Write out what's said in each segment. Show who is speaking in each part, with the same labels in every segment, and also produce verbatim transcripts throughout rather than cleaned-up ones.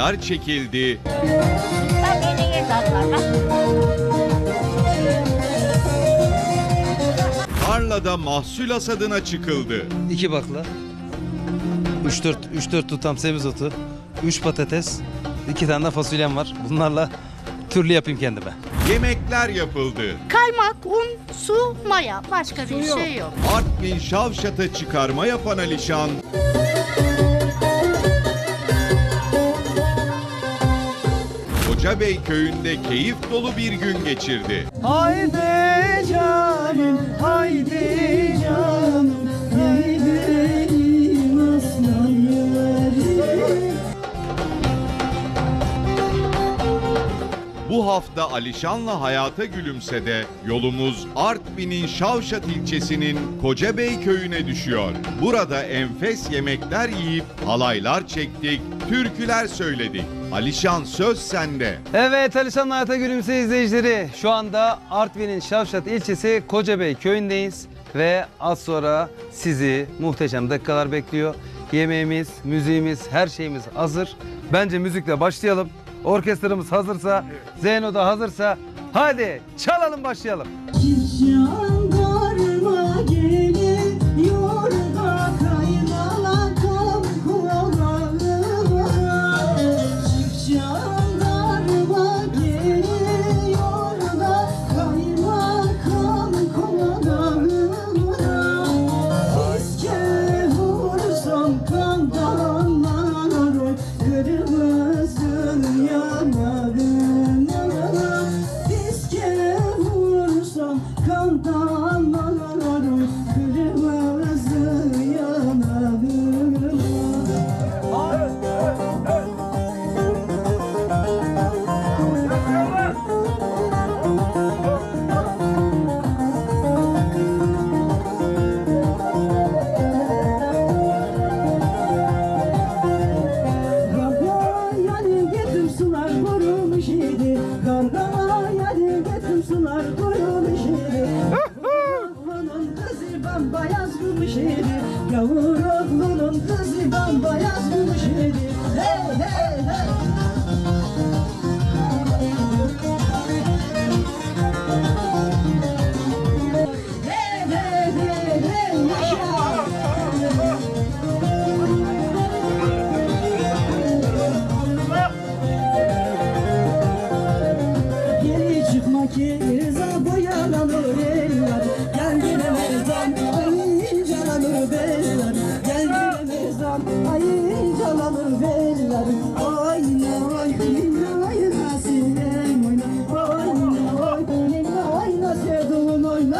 Speaker 1: halaylar çekildi. Tarlada mahsul hasadına çıkıldı.
Speaker 2: İki bakla, üç dört üç dört tutam semizotu, üç patates, iki tane de fasulyem var. Bunlarla türlü yapayım kendime.
Speaker 1: Yemekler yapıldı.
Speaker 3: Kaymak, un, su, maya. Başka bir şey yok.
Speaker 1: Artvin Şavşat'a çıkarma yapan Alişan, Kocabey köyünde keyif dolu bir gün geçirdi.
Speaker 4: Haydi canım, haydi canım, haydi aslan yarim.
Speaker 1: Bu hafta Alişan'la hayata gülümse de yolumuz Artvin'in Şavşat ilçesinin Kocabey köyüne düşüyor. Burada enfes yemekler yiyip halaylar çektik, türküler söyledik. Alişan, söz sende.
Speaker 2: Evet, Alişan Hayata Gülümse izleyicileri. Şu anda Artvin'in Şavşat ilçesi Kocabey köyündeyiz. Ve az sonra sizi muhteşem dakikalar bekliyor. Yemeğimiz, müziğimiz, her şeyimiz hazır. Bence müzikle başlayalım. Orkestramız hazırsa, Zeyno da hazırsa hadi çalalım, başlayalım.
Speaker 4: Jandarma geliyor da kaynana komkularına. Jandarma geliyor da kaymakam komkularına. İske vursam kan dalanlar, kırmızı yanarına. İske vursam kan dalanlar, kırmızı yanarına. Kargaya getim sular kurumuş idi. Kargaya getim sular kurumuş idi. Oğlunun kızı bambayaz gülmüş idi. Yavur oğlunun kızı bambayaz gülmüş idi. Hey hey hey. Hey hey hey hey yaşa. Geri çıkma ki rıza boyanalır eller. Gel gene mezan ay canalır beller. Gel gene mezan ay canalır beller. Oyna oyna oyna sinem oyna. Oyna oyna oyna sevduğun oyna.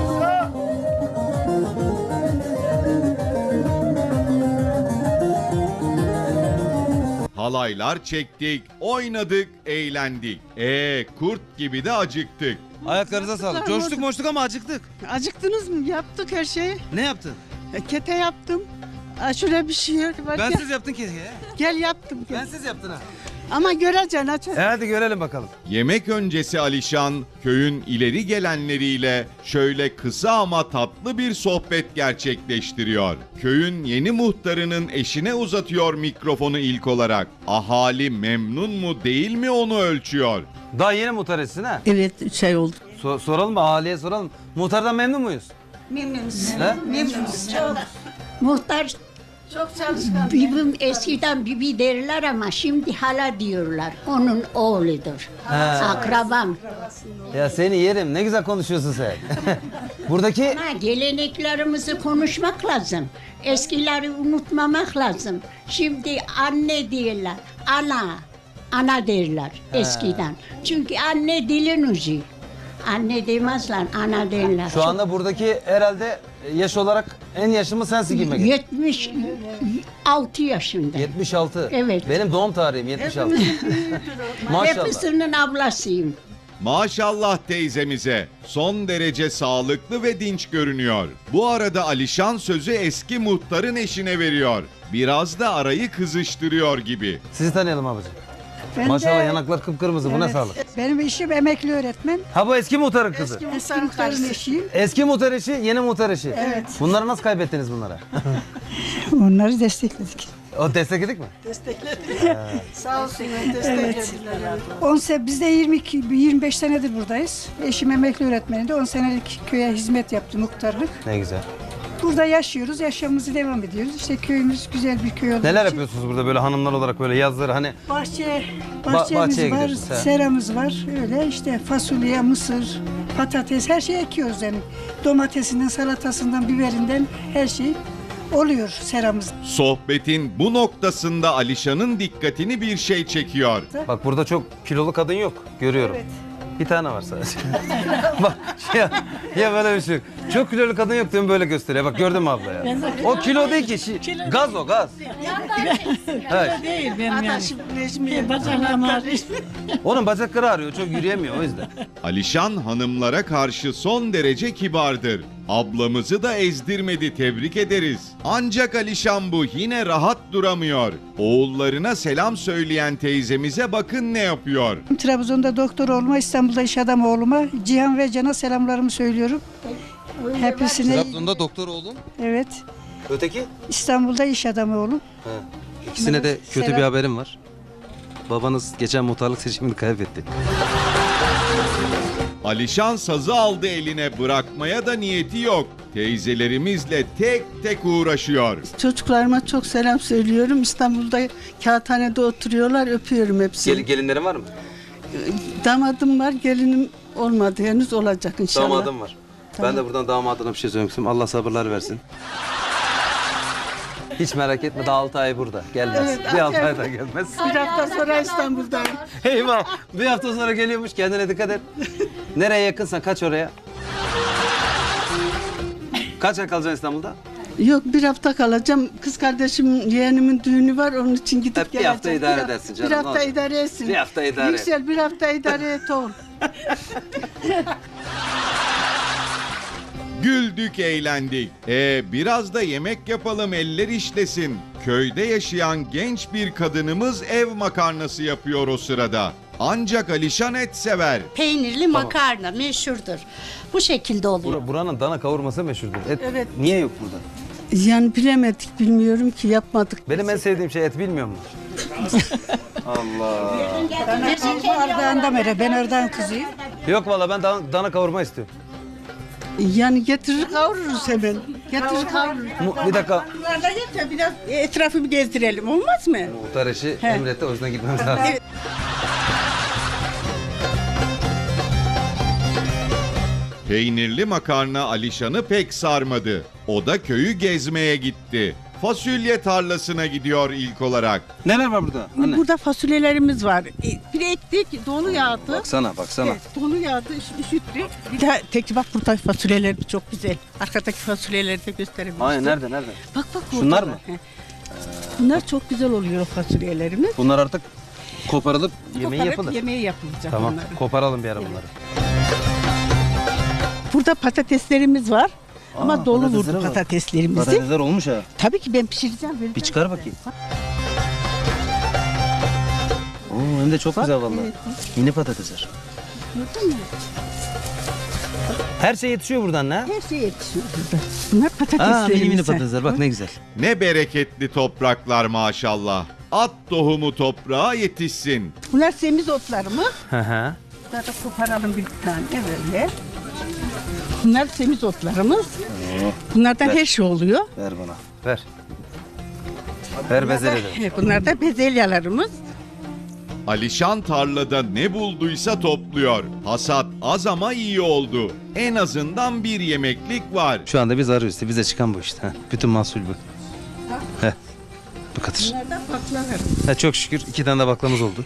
Speaker 1: Halaylar çektik, oynadık, eğlendik. Ee, kurt gibi de acıktık.
Speaker 2: Ayaklarınıza sağlık. Coştuk moştuk ama acıktık.
Speaker 5: Acıktınız mı? Yaptık her şeyi.
Speaker 2: Ne yaptın?
Speaker 5: E, Kete yaptım. Aa, şöyle bir şey var.
Speaker 2: Ben
Speaker 5: gel,
Speaker 2: siz yaptın ki.
Speaker 5: gel yaptım. Gel.
Speaker 2: Ben siz yaptın ha.
Speaker 5: Ama göreceksin aç.
Speaker 2: E hadi görelim bakalım.
Speaker 1: Yemek öncesi Alişan, köyün ileri gelenleriyle şöyle kısa ama tatlı bir sohbet gerçekleştiriyor. Köyün yeni muhtarının eşine uzatıyor mikrofonu ilk olarak. Ahali memnun mu değil mi onu ölçüyor.
Speaker 2: Daha yeni muhtar etsin ha.
Speaker 5: Evet üç ay oldu.
Speaker 2: So- soralım mı? Ahaliye soralım. Muhtardan memnun muyuz?
Speaker 6: Memnunuz.
Speaker 2: He?
Speaker 6: Memnunuz. Çok. Muhtar
Speaker 5: Çok çalışkan.
Speaker 6: bibim eskiden bibi derler ama şimdi hala diyorlar. Onun oğludur.
Speaker 2: He.
Speaker 6: Akrabam.
Speaker 2: Ya seni yerim. Ne güzel konuşuyorsun sen. Buradaki
Speaker 6: Ama geleneklerimizi konuşmak lazım. Eskileri unutmamak lazım. Şimdi anne diyorlar. Ana. Ana derler eskiden. Çünkü anne dilin ucu. Anne demezler, ana derler.
Speaker 2: şu anda buradaki herhalde yaş olarak en yaşımız sensin gibi geliyor.
Speaker 6: yetmiş altı yaşında.
Speaker 2: yetmiş altı.
Speaker 6: Evet.
Speaker 2: Benim doğum tarihim yetmiş altı. Maşallah.
Speaker 6: Hepsinin ablasıyım.
Speaker 1: Maşallah teyzemize. Son derece sağlıklı ve dinç görünüyor. Bu arada Alişan sözü eski muhtarın eşine veriyor. Biraz da arayı kızıştırıyor gibi.
Speaker 2: Sizi tanıyalım abicim.
Speaker 5: Ben
Speaker 2: Maşallah
Speaker 5: de-
Speaker 2: yanaklar kıpkırmızı. Bu ne
Speaker 5: Evet,
Speaker 2: sağlık?
Speaker 5: Benim eşim emekli öğretmen.
Speaker 2: Ha bu eski muhtarın kızı.
Speaker 5: Eski muhtarın eşiyim.
Speaker 2: Eski muhtar eşi, yeni muhtar eşi.
Speaker 5: Evet.
Speaker 2: Bunları nasıl kaybettiniz bunlara?
Speaker 5: Onları destekledik.
Speaker 2: O destekledik mi?
Speaker 5: Sağ olsunlar desteklediler. on se biz de yirmi iki yirmi beş senedir buradayız. Eşim emekli öğretmeniydi. on senelik köye hizmet yaptı, muhtarlık.
Speaker 2: Ne güzel.
Speaker 5: Burada yaşıyoruz, yaşamımızı devam ediyoruz. İşte köyümüz güzel bir köy olduğu
Speaker 2: Neler
Speaker 5: için.
Speaker 2: yapıyorsunuz burada böyle hanımlar olarak böyle yazları hani
Speaker 5: Bahçe,
Speaker 2: Ba-
Speaker 5: bahçemiz
Speaker 2: bahçeye
Speaker 5: var,
Speaker 2: gidiyoruz, he.
Speaker 5: seramız var. Öyle işte fasulye, mısır, patates her şeyi ekiyoruz yani. Domatesinden, salatasından, biberinden her şey oluyor seramızda.
Speaker 1: Sohbetin bu noktasında Alişan'ın dikkatini bir şey çekiyor.
Speaker 2: bak burada çok kilolu kadın yok görüyorum.
Speaker 5: Evet.
Speaker 2: Bir tane var sadece. Bak ya, ya böyle bir şey yok. Çok kilolu kadın yok diyorum böyle gösteriyor. Bak gördün mü abla ya? O kilo değil ki. şi- gaz o gaz. Evet.
Speaker 5: Değil benim yani. Rejimi, bacaklarım ağrıyor.
Speaker 2: Onun bacakları ağrıyor. Çok yürüyemiyor o yüzden.
Speaker 1: Alişan hanımlara karşı son derece kibardır. Ablamızı da ezdirmedi, tebrik ederiz. Ancak Alişan bu yine rahat duramıyor. Oğullarına selam söyleyen teyzemize bakın ne yapıyor.
Speaker 5: Trabzon'da doktor olma, İstanbul'da iş adamı olma. Cihan ve Can'a selamlarımı söylüyorum. Hepsine
Speaker 2: Trabzon'da doktor oldun.
Speaker 5: evet.
Speaker 2: Öteki?
Speaker 5: İstanbul'da iş adamı oğlum.
Speaker 2: İkisine de kötü
Speaker 5: Selam.
Speaker 2: bir haberim var. Babanız geçen muhtarlık seçimini kaybetti.
Speaker 1: Alişan sazı aldı eline, bırakmaya da niyeti yok. Teyzelerimizle tek tek uğraşıyor.
Speaker 7: Çocuklarıma çok selam söylüyorum. İstanbul'da kağıthanede oturuyorlar. Öpüyorum hepsini.
Speaker 2: Gelin, gelinlerin var mı?
Speaker 7: Damadım var, gelinim olmadı. Henüz olacak inşallah.
Speaker 2: Damadım var. Ben de buradan damadına bir şey söylemek istiyorum. Allah sabırlar versin. Hiç merak etme daha altı ay burada. Gelmez.
Speaker 7: Evet,
Speaker 2: bir altı
Speaker 7: evet.
Speaker 2: ay da gelmez.
Speaker 7: Bir hafta sonra İstanbul'dayım.
Speaker 2: Eyvah. Bir hafta sonra geliyormuş. Kendine dikkat et. Nereye yakınsan kaç oraya. Kaç ay kalacaksın İstanbul'da?
Speaker 7: Yok, bir hafta kalacağım. Kız kardeşim, yeğenimin düğünü var. Onun için gidip
Speaker 2: Hep bir
Speaker 7: geleceğim.
Speaker 2: hafta idare
Speaker 7: Bir haf-
Speaker 2: edersin canım,
Speaker 7: Bir
Speaker 2: ne
Speaker 7: hafta
Speaker 2: olacak?
Speaker 7: idare etsin.
Speaker 2: Bir hafta idare et.
Speaker 7: Yüksel, bir hafta idare et oğlum.
Speaker 1: Güldük, eğlendik. E biraz da yemek yapalım, eller işlesin. Köyde yaşayan genç bir kadınımız ev makarnası yapıyor o sırada. Ancak Alişan et sever.
Speaker 3: Peynirli makarna meşhurdur. Bu şekilde oluyor.
Speaker 2: Bur- buranın dana kavurması meşhurdur. Et
Speaker 7: Evet.
Speaker 2: niye yok burada?
Speaker 7: Yani bilemedik, bilmiyorum ki, yapmadık.
Speaker 2: Benim en sevdiğim şey et bilmiyor musun? Allah.
Speaker 5: Ardahan'da mere, ben Ardahan kızıyım.
Speaker 2: Yok valla ben dana, dana kavurma istiyorum.
Speaker 7: Yani getirir kavururuz hemen. Getirir kavururuz.
Speaker 2: Mu- bir dakika.
Speaker 7: Bunlardan yeter, biraz etrafı bir gezdirelim, olmaz mı?
Speaker 2: Muhtar eşi emretti o yüzden gitmemiz lazım.
Speaker 7: Evet.
Speaker 1: Peynirli makarna Alişan'ı pek sarmadı. O da köyü gezmeye gitti. Fasulye tarlasına gidiyor ilk olarak.
Speaker 2: Neler var burada? Anne.
Speaker 7: Burada fasulyelerimiz var. E, Bir ektik, dolu yağdı.
Speaker 2: Baksana baksana.
Speaker 7: Evet, dolu yağdı, üş- üşüttük. Bir daha tek bak, burada fasulyeler çok güzel. Arkadaki fasulyeleri de gösterebiliriz.
Speaker 2: Hayır nerede nerede?
Speaker 7: Bak bak.
Speaker 2: Şunlar
Speaker 7: orada.
Speaker 2: mı?
Speaker 7: He. Bunlar çok güzel oluyor fasulyelerimiz.
Speaker 2: Bunlar artık koparılıp yemeği
Speaker 7: Koparıp
Speaker 2: yapılır.
Speaker 7: Yemeği yapılacak
Speaker 2: Tamam
Speaker 7: bunları.
Speaker 2: koparalım bir ara bunları.
Speaker 7: Burada patateslerimiz var. Ama
Speaker 2: Aa,
Speaker 7: dolu
Speaker 2: patatesleri
Speaker 7: vurdu
Speaker 2: var.
Speaker 7: patateslerimizi.
Speaker 2: Patatesler olmuş ha.
Speaker 7: Tabii ki ben pişireceğim. vereceğim.
Speaker 2: Bir çıkar bakayım. Oo, hem de çok güzel vallahi.
Speaker 7: evet.
Speaker 2: Mini patatesler.
Speaker 7: Gördün mü?
Speaker 2: Her şey yetişiyor buradan ne?
Speaker 7: Her şey yetişiyor burada. Bunlar
Speaker 2: Aa
Speaker 7: patateslerimiz.
Speaker 2: mini mini patatesler bak ne güzel.
Speaker 1: Ne bereketli topraklar maşallah. At tohumu toprağa yetişsin.
Speaker 7: Bunlar semiz otlarımız.
Speaker 2: Hı hı.
Speaker 7: Bunları da koparalım bir tane böyle. Bunlar semiz otlarımız. Bunlardan her şey oluyor.
Speaker 2: Ver bana. Ver. Ver bezelye de.
Speaker 7: Evet, bunlar da bezelyelerimiz.
Speaker 1: Alişan tarlada ne bulduysa topluyor. Hasat az ama iyi oldu. En azından bir yemeklik var.
Speaker 2: Şu anda biz arıyoruz. Bize çıkan bu işte. Ha. Bütün mahsul bu. Heh. Bu kadar.
Speaker 7: Bunlardan baklava.
Speaker 2: Ha, çok şükür iki tane de baklamız oldu.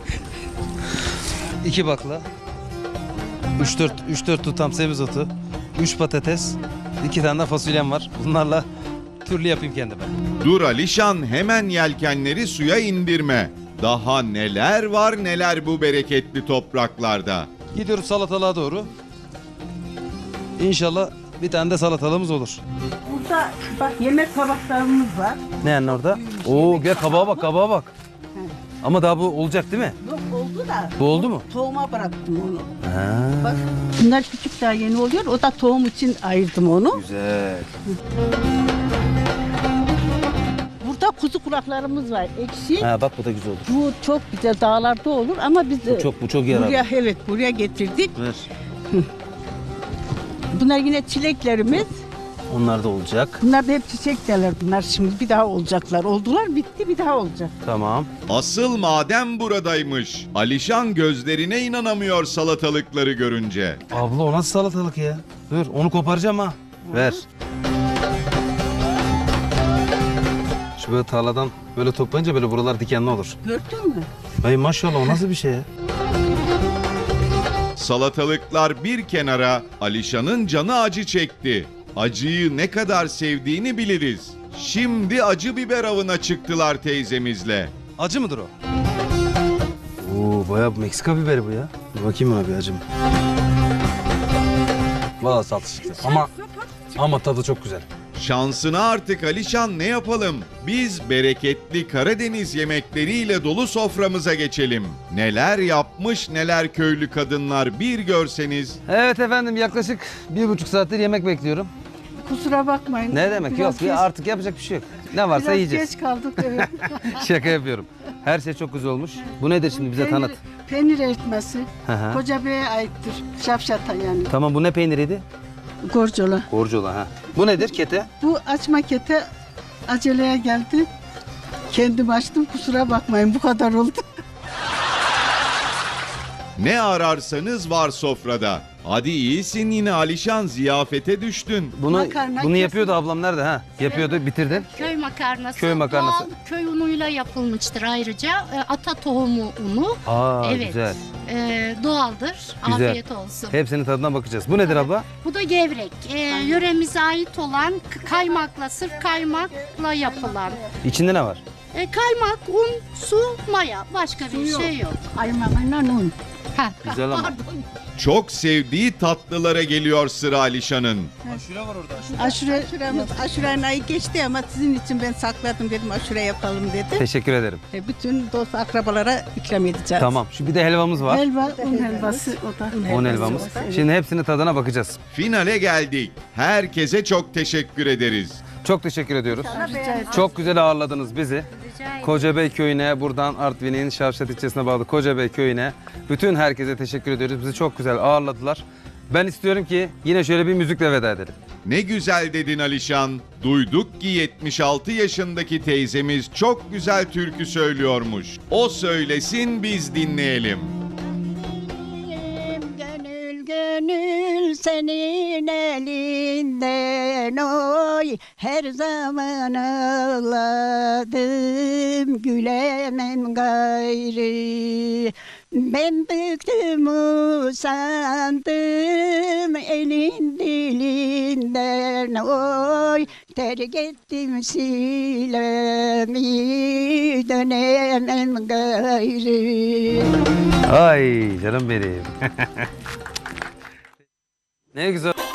Speaker 2: İki bakla. Üç dört, üç dört tutam semizotu. Üç patates. iki tane de fasulyem var. Bunlarla türlü yapayım kendime.
Speaker 1: Dur Alişan, hemen yelkenleri suya indirme. Daha neler var neler bu bereketli topraklarda.
Speaker 2: Gidiyoruz salatalığa doğru. İnşallah bir tane de salatalığımız olur.
Speaker 7: Burada bak yemek tabaklarımız var.
Speaker 2: Ne yani orada? Oo gel kabağa bak kabağa bak. Ama daha bu olacak değil mi?
Speaker 7: Yok oldu da.
Speaker 2: Bu oldu mu?
Speaker 7: Tohuma bıraktım onu.
Speaker 2: Ha,
Speaker 7: Bak bunlar küçük daha yeni oluyor. O da tohum için ayırdım onu.
Speaker 2: güzel.
Speaker 7: Burada kuzu kulaklarımız var ekşi.
Speaker 2: Ha bak bu da güzel olur.
Speaker 7: Bu çok güzel dağlarda olur ama biz
Speaker 2: Bu çok bu çok yararlı.
Speaker 7: buraya evet buraya getirdik.
Speaker 2: Ver.
Speaker 7: Bunlar yine çileklerimiz.
Speaker 2: Onlar da olacak.
Speaker 7: Bunlar da hep çiçekler bunlar şimdi bir daha olacaklar. Oldular bitti bir daha olacak.
Speaker 2: Tamam.
Speaker 1: Asıl maden buradaymış. Alişan gözlerine inanamıyor salatalıkları görünce.
Speaker 2: Abla o nasıl salatalık ya? Dur onu koparacağım ha. Ver. Şu böyle tarladan böyle toplayınca böyle buralar dikenli olur.
Speaker 7: Gördün mü?
Speaker 2: Ay maşallah o nasıl bir şey ya?
Speaker 1: Salatalıklar bir kenara, Alişan'ın canı acı çekti. Acıyı ne kadar sevdiğini biliriz. Şimdi acı biber avına çıktılar teyzemizle.
Speaker 2: Acı mıdır o? Oo bayağı Meksika biberi bu ya. Dur bakayım abi acı mı? Valla salça çıktı. Ama ama tadı çok güzel.
Speaker 1: Şansına artık Alişan ne yapalım? Biz bereketli Karadeniz yemekleriyle dolu soframıza geçelim. Neler yapmış neler köylü kadınlar bir görseniz.
Speaker 2: Evet efendim yaklaşık bir buçuk saattir yemek bekliyorum.
Speaker 5: Kusura bakmayın.
Speaker 2: Ne demek
Speaker 5: Biraz
Speaker 2: yok
Speaker 5: geç-
Speaker 2: ya artık yapacak bir şey yok. Ne varsa
Speaker 5: Biraz
Speaker 2: yiyeceğiz.
Speaker 5: geç kaldık. Evet.
Speaker 2: Şaka yapıyorum. Her şey çok güzel olmuş. Bu nedir şimdi bize tanıt.
Speaker 5: Peynir eritmesi.
Speaker 2: Hı hı.
Speaker 5: Koca Bey'e aittir. Şapşata yani.
Speaker 2: Tamam bu ne peyniriydi?
Speaker 7: Gorcola.
Speaker 2: Borcola ha. Bu nedir kete?
Speaker 5: Bu açma kete aceleye geldi. Kendim açtım kusura bakmayın bu kadar oldu.
Speaker 1: Ne ararsanız var sofrada. Hadi iyisin yine Alişan, ziyafete düştün.
Speaker 2: Bunu
Speaker 5: Makarna
Speaker 2: bunu
Speaker 5: kesin.
Speaker 2: yapıyordu ablam nerede ha? Yapıyordu bitirdin.
Speaker 3: Köy makarnası.
Speaker 2: Köy makarnası.
Speaker 3: Doğal köy unuyla yapılmıştır ayrıca. E, ata tohumu unu.
Speaker 2: Aa
Speaker 3: evet.
Speaker 2: güzel.
Speaker 3: E, doğaldır.
Speaker 2: Güzel.
Speaker 3: Afiyet olsun.
Speaker 2: Hepsinin tadına bakacağız. Bu nedir abla?
Speaker 3: Bu da gevrek. E, yöremize ait olan k- kaymakla, sırf kaymakla yapılan.
Speaker 2: İçinde ne var?
Speaker 3: E, kaymak, un, su, maya. Başka bir şey yok.
Speaker 7: Aymanla un.
Speaker 3: Ha,
Speaker 2: Güzel ama.
Speaker 3: pardon.
Speaker 1: Çok sevdiği tatlılara geliyor sıra Alişan'ın.
Speaker 5: Aşure
Speaker 7: Aşuremiz, aşurenin ayı geçti ama sizin için ben sakladım dedim aşure yapalım dedim.
Speaker 2: Teşekkür ederim.
Speaker 7: E, bütün dost akrabalara ikram edeceğiz.
Speaker 2: Tamam. Şu bir de helvamız var.
Speaker 5: helva, un helvası o da.
Speaker 2: On helvamız. Şimdi hepsinin tadına bakacağız.
Speaker 1: Finale geldik. Herkese çok teşekkür ederiz.
Speaker 2: Çok teşekkür ediyoruz.
Speaker 5: Rica ederim.
Speaker 2: Çok güzel ağırladınız bizi.
Speaker 3: Rica ederim.
Speaker 2: Kocabey köyüne, buradan Artvin'in Şavşat ilçesine bağlı Kocabey köyüne bütün herkese teşekkür ediyoruz. Bizi çok güzel ağırladılar. Ben istiyorum ki yine şöyle bir müzikle veda edelim.
Speaker 1: Ne güzel dedin Alişan. Duyduk ki yetmiş altı yaşındaki teyzemiz çok güzel türkü söylüyormuş. O söylesin biz dinleyelim.
Speaker 6: Gönül gönül senin elinden oy her zaman ağladım gülemem gayrı. Ben bıktım usandım elin dilinden oy terk ettim silemi dönemem gayrı.
Speaker 2: Ay canım benim. Ne güzel.